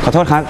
อโทษครับ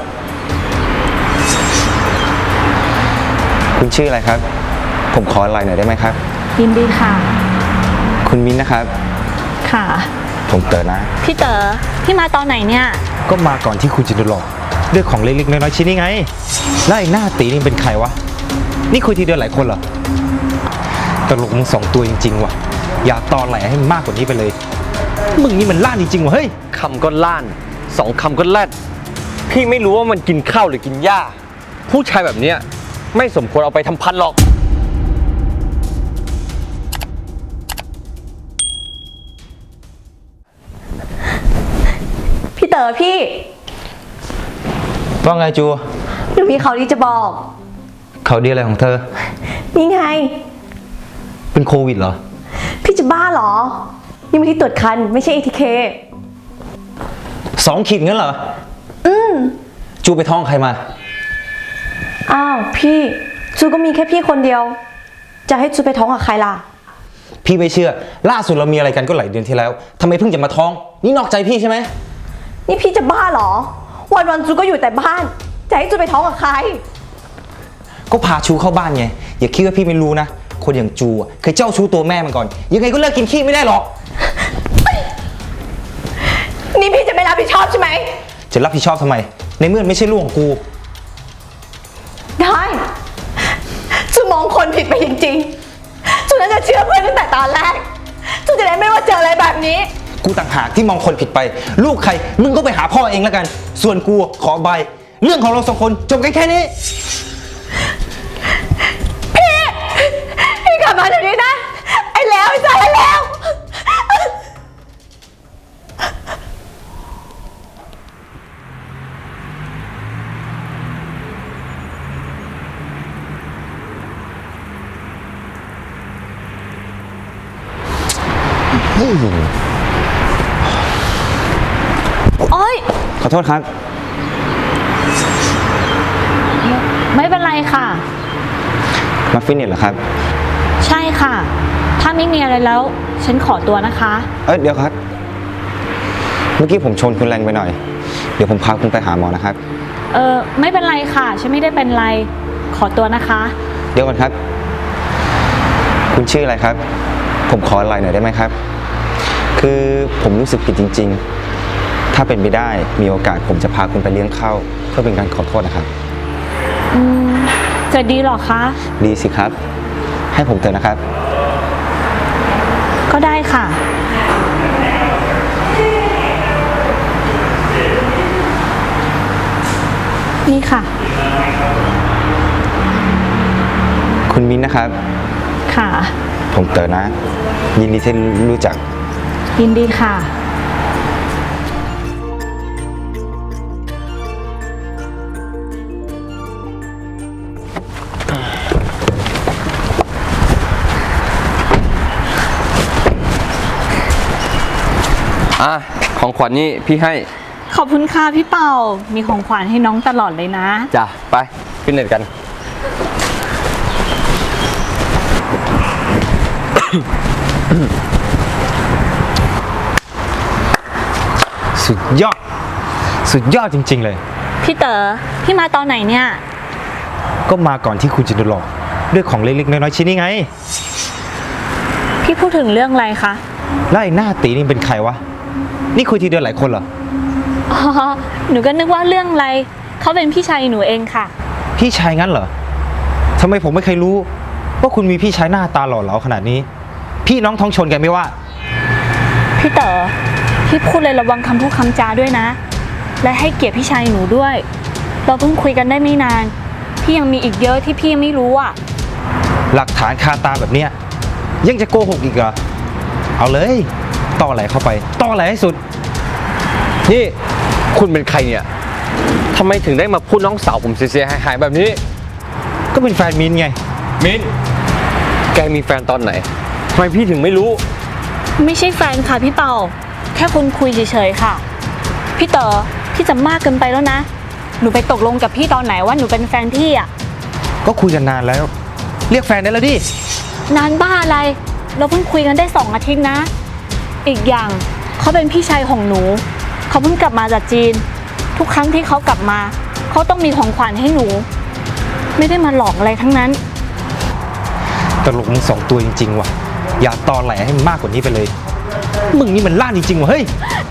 คุณชื่ออะไรครับผมขอไลน์หน่อยได้ไหมครับยินดีค่ะคุณมิ้นนะครับค่ะผมเต๋อนะพี่เต๋อพี่มาตอนไหนเนี่ยก็มาก่อนที่คุณจะโดนหลอกด้วยของเล็กๆน้อยๆชิ้นนี้ไงแล้วไอ้หน้าตีนี่เป็นใครวะนี่คุยทีเดียวหลายคนเหรอตลกมึง2 ตัวจริงๆว่ะอย่าตอแหลให้มันมากกว่านี้ไปเลยมึงนี่มันล่านจริงๆว่ะเฮ้ยคำก็ล่าน2 คำก็แลดพี่ไม่รู้ว่ามันกินข้าวหรือกินหญ้าผู้ชายแบบเนี้ยไม่สมควรเอาไปทำพันหรอกพี่เต๋อพี่ว่าไงจูหนูมีข่าวดีจะบอกเขาดีอะไรของเธอนี่ไงเป็นโควิดเหรอพี่จะบ้าเหรอนี่มันที่ตรวจคันไม่ใช่ ATK 2 ขีดงั้นเหรอจูไปท้องใครมาอ้าวพี่จูก็มีแค่พี่คนเดียวจะให้จูไปท้องกับใครล่ะพี่ไม่เชื่อล่าสุดเรามีอะไรกันก็หลายเดือนที่แล้วทำไมเพิ่งจะมาท้องนี่นอกใจพี่ใช่ไหมนี่พี่จะบ้าเหรอวันจูก็อยู่แต่บ้านจะให้จูไปท้องกับใครก็พาชูเข้าบ้านไงอย่าคิดว่าพี่ไม่รู้นะคนอย่างจูเคยเจ้าชู้ตัวแม่มันก่อนยังไงก็เลิกกินขี้ไม่ได้หรอกนี่พี่จะไม่รับผิดชอบใช่ไหมจะรับผิดชอบทำไมในเมื่อไม่ใช่ลูกของกูได้จูมองคนผิดไปจริงๆจูน่าจะเชื่อเพื่อนตั้งแต่ตอนแรกจูจะได้ไม่ว่าเจออะไรแบบนี้กูต่างหากที่มองคนผิดไปลูกใครมึงก็ไปหาพ่อเองแล้วกันส่วนกูขอใบเรื่องของเรา2 คนจบกันแค่นี้พี่กลับมาเดี๋ยวนี้นะไอ้แล้วไอ้สารแล้วโอ๊ยขอโทษครับไม่เป็นไรค่ะมาฟิตเนสเหรอครับใช่ค่ะถ้าไม่มีอะไรแล้วฉันขอตัวนะคะเดี๋ยวครับเมื่อกี้ผมชนคุณแรงไปหน่อยเดี๋ยวผมพาคุณไปหาหมอนะครับไม่เป็นไรค่ะฉันไม่ได้เป็นไรขอตัวนะคะเดี๋ยวก่อนครับคุณชื่ออะไรครับผมขอไลน์หน่อยได้ไหมครับคือผมรู้สึกผิดจริงๆถ้าเป็นไปได้มีโอกาสผมจะพาคุณไปเลี้ยงข้าวเพื่อเป็นการขอโทษนะครับจะดีหรอคะดีสิครับให้ผมเถอะนะครับก็ได้ค่ะนี่ค่ะคุณมิ้นนะครับค่ะผมเต๋อนะยินดีที่รู้จักยินดีค่ะของขวัญนี่พี่ให้ขอบคุณค่ะพี่เป่ามีของขวัญให้น้องตลอดเลยนะจ้ะไปฟิตเนสกันสุดยอดจริงๆเลยพี่เต๋อพี่มาตอนไหนเนี่ยก็มาก่อนที่คุณจะโดนหลอกด้วยของเล็กๆน้อยๆชิ้นนี้ไงพี่พูดถึงเรื่องอะไรคะแล้วไอ้หน้าตีนี่เป็นใครวะนี่คุยทีเดียวหลายคนเหรออ๋อหนูก็นึกว่าเรื่องอะไรเขาเป็นพี่ชายหนูเองค่ะพี่ชายงั้นเหรอทำไมผมไม่เคยรู้ว่าคุณมีพี่ชายหน้าตาหล่อเหลาขนาดนี้พี่น้องท้องชนกันไม่ว่าพี่เต๋อพี่พูดเลยระวังคำพูดคำจาด้วยนะและให้เกียรติพี่ชายหนูด้วยเราเพิ่งคุยกันได้ไม่นานพี่ยังมีอีกเยอะที่พี่ยังไม่รู้อ่ะหลักฐานคาตาแบบเนี้ยยังจะโกหกอีกเหรอเอาเลยต่อไหลเข้าไปต่อไหลให้สุดนี่คุณเป็นใครเนี่ยทำไมถึงได้มาพูดน้องสาวผมเสียหายแบบนี้ก็เป็นแฟนมินไงมินแกมีแฟนตอนไหนทำไมพี่ถึงไม่รู้ไม่ใช่แฟนค่ะพี่เป่าแค่คุณคุยเฉยๆค่ะพี่เต๋อพี่จะมากเกินไปแล้วนะหนูไปตกลงกับพี่ตอนไหนว่าหนูเป็นแฟนพี่อ่ะก็คุยกันนานแล้วเรียกแฟนได้แล้วดินานบ้าอะไรเราเพิ่งคุยกันได้2 อาทิตย์นะอีกอย่างเขาเป็นพี่ชายของหนูเขาเพิ่งกลับมาจากจีนทุกครั้งที่เขากลับมา เขาต้องมีของขวัญให้หนู ไม่ได้มาหลอกอะไรทั้งนั้นตลกมึงสองตัวจริงๆว่ะ อย่าตอแหลให้มันมากกว่านี้ไปเลย มึงนี่มันล่านจริงๆว่ะเฮ้ย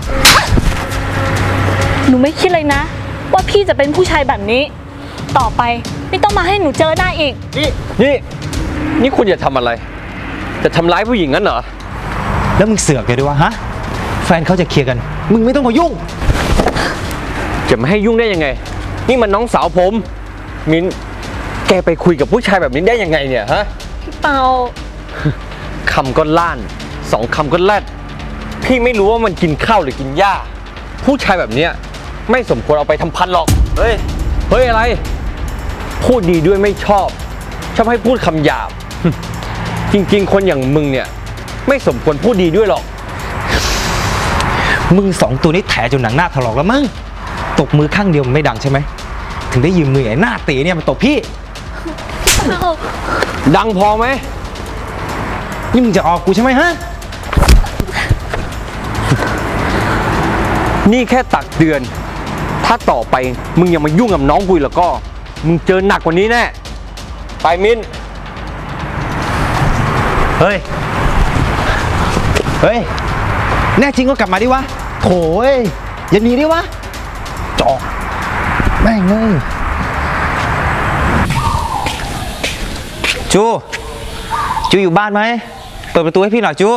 หนูไม่คิดเลยนะ ว่าพี่จะเป็นผู้ชายแบบนี้ ต่อไปไม่ต้องมาให้หนูเจอหน้าอีกนี่คุณอย่าทำอะไร จะทำร้ายผู้หญิงงั้นเหรอแล้วมึงเสือกเลยด้วยวะฮะ แฟนเขาจะเคลียร์กัน มึงไม่ต้องมายุ่งจะไม่ให้ยุ่งได้ยังไง นี่มันน้องสาวผม มิ้น แกไปคุยกับผู้ชายแบบนี้ได้ยังไงเนี่ยฮะพี่เปาคำก็ล้านสองคำก็แลดพี่ไม่รู้ว่ามันกินข้าวหรือกินหญ้า ผู้ชายแบบเนี้ยไม่สมควรเอาไปทำพันหรอก เฮ้ย เฮ้ยอะไร พูดดีด้วยไม่ชอบ ชอบให้พูดคำหยาบ จริงๆ คนอย่างมึงเนี่ยไม่สมควรพูดดีด้วยหรอกมึงสองตัวนี้แถจนหนังหน้าถลอกแล้วมั้ง ตบมือข้างเดียวมันไม่ดังใช่ไหม ถึงได้ยืมมือไอ้หน้าตีเนี่ยมาตบพี่ดังพอไหมนี่มึงจะออกกูใช่ไหมฮะนี่แค่ตักเตือน ถ้าต่อไปมึงยังมายุ่งกับน้องกูอีกแล้วก็ มึงเจอหนักกว่านี้แน่ ไปมิ้นเฮ้ย เฮ้ย แน่จริงก็กลับมาดิวะโถยอย่าหนีดิวะ จอก แม่งเอ้ยจูอยู่บ้านไหม เปิดประตูให้พี่หน่อยจู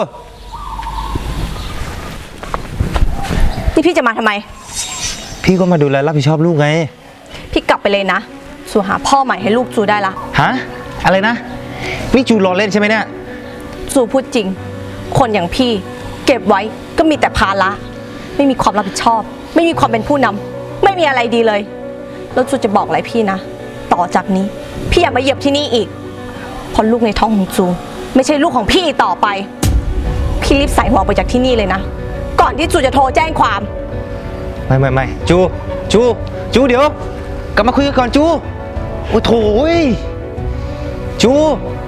นี่พี่จะมาทำไมพี่ก็มาดูแลรับผิดชอบลูกไงพี่กลับไปเลยนะ สู่หาพ่อใหม่ให้ลูกจูได้ละฮะ อะไรนะ นี่จูรอเล่นใช่ไหมเนี่ยจูพูดจริง คนอย่างพี่เก็บไว้ก็มีแต่ภาระไม่มีความรับผิดชอบ ไม่มีความเป็นผู้นำไม่มีอะไรดีเลย แล้วจูจะบอกอะไรพี่นะ ต่อจากนี้ พี่อย่ามาเหยียบที่นี่อีกเพราะลูกในท้องของจูไม่ใช่ลูกของพี่อีกต่อไป พี่รีบใส่หัวออกไปจากที่นี่เลยนะ ก่อนที่จูจะโทรแจ้งความไม่จูเดี๋ยว กลับมาคุยกันก่อนจู โอ้โถยจู